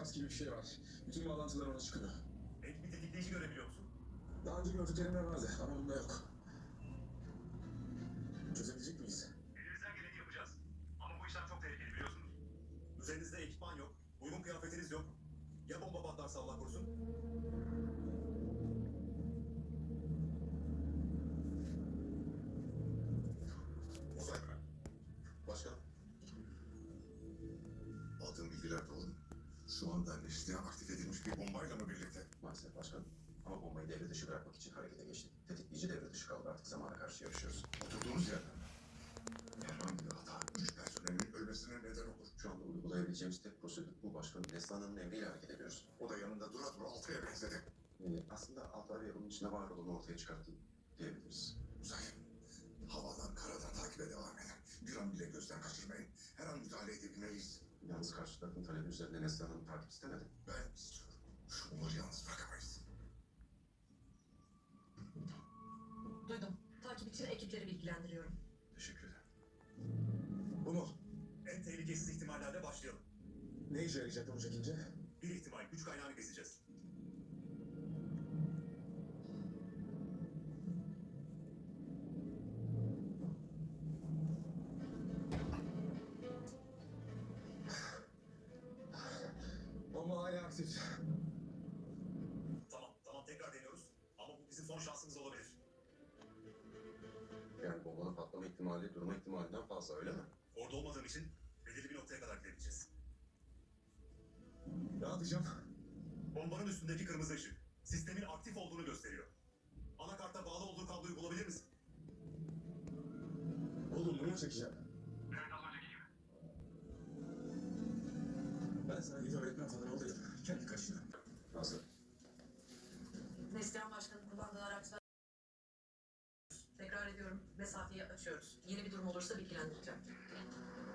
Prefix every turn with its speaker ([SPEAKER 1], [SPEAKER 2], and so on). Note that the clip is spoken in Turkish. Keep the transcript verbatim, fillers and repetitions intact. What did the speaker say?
[SPEAKER 1] suikast gibi bir şey var. Bütün bağlantılar ona çıkıyor.
[SPEAKER 2] Ek bir tetikleyici görebiliyor musun?
[SPEAKER 1] Daha önce gördüklerimde vardı ama bunda yok. Çözebilecek miyiz?
[SPEAKER 2] Elimizden geleni yapacağız. Ama bu işlem çok tehlikeli biliyorsunuz. Üzerinizde ekipman yok, uygun kıyafetiniz yok. Ya bomba patlarsa Allah korusun?
[SPEAKER 3] Uzay. Başkan. Aldığım bilgiler doğru. Şu anda liste aktif edilmiş bir bombayla mı birlikte?
[SPEAKER 4] Maalesef başkanım. Ama bombayı devre dışı bırakmak için harekete geçtik. Tetikleyici devre dışı kaldı. Artık zamana karşı yarışıyoruz.
[SPEAKER 3] Oturduğumuz yerden. Herhangi bir hata üç personelin ölmesine neden olur.
[SPEAKER 4] Şu anda uygulayabileceğimiz tek prosedür bu başkanım. Neslihan'ın emriyle hareket ediyoruz.
[SPEAKER 3] O da yanında dura dura altıya benzedi.
[SPEAKER 4] Ee, aslında Altay Bey bunun içinde var olanı ortaya çıkarttı diyebiliriz.
[SPEAKER 3] Uzay. Havadan karadan takibe devam edin. Bir an bile gözden kaçırmayın. Her an müdahale edebilmeliyiz.
[SPEAKER 4] Yalnız karşı tarafın talebi üzerine Neslihan'ın takip istemedi.
[SPEAKER 3] Ben istiyorum. Onları yalnız bırakamayız.
[SPEAKER 5] Duydum. Takip için ekipleri bilgilendiriyorum.
[SPEAKER 4] Teşekkür ederim.
[SPEAKER 1] Bu mu?
[SPEAKER 2] En tehlikesiz ihtimallerle başlayalım.
[SPEAKER 1] Ne işe yarayacak bunu çekince?
[SPEAKER 2] Bir ihtimal, güç kaynağını keseceğiz.
[SPEAKER 1] Bomba hala aktif.
[SPEAKER 2] Tamam, tamam tekrar deniyoruz. Ama bu bizim son şansımız olabilir.
[SPEAKER 4] Yani bombanın patlama ihtimali durma ihtimalinden fazla öyle mi?
[SPEAKER 2] Orada olmadığım için belirli bir noktaya kadar gidebileceğiz.
[SPEAKER 1] Ne yapacağım?
[SPEAKER 2] Bombanın üstündeki kırmızı ışık, sistemin aktif olduğunu gösteriyor. Anakarta bağlı olduğu kabloyu bulabilir misin?
[SPEAKER 1] Oğlum bunu mu çekeceğim?
[SPEAKER 2] Evet, az önceki gibi.
[SPEAKER 1] Ben sana git öğretmen falan ol dedim. Kendi kaşına.
[SPEAKER 4] Nasıl?
[SPEAKER 5] Neslihan Başkan'ın kullandığı araçlar... Tekrar ediyorum. Mesafeyi açıyoruz. Yeni bir durum olursa bilgilendireceğim.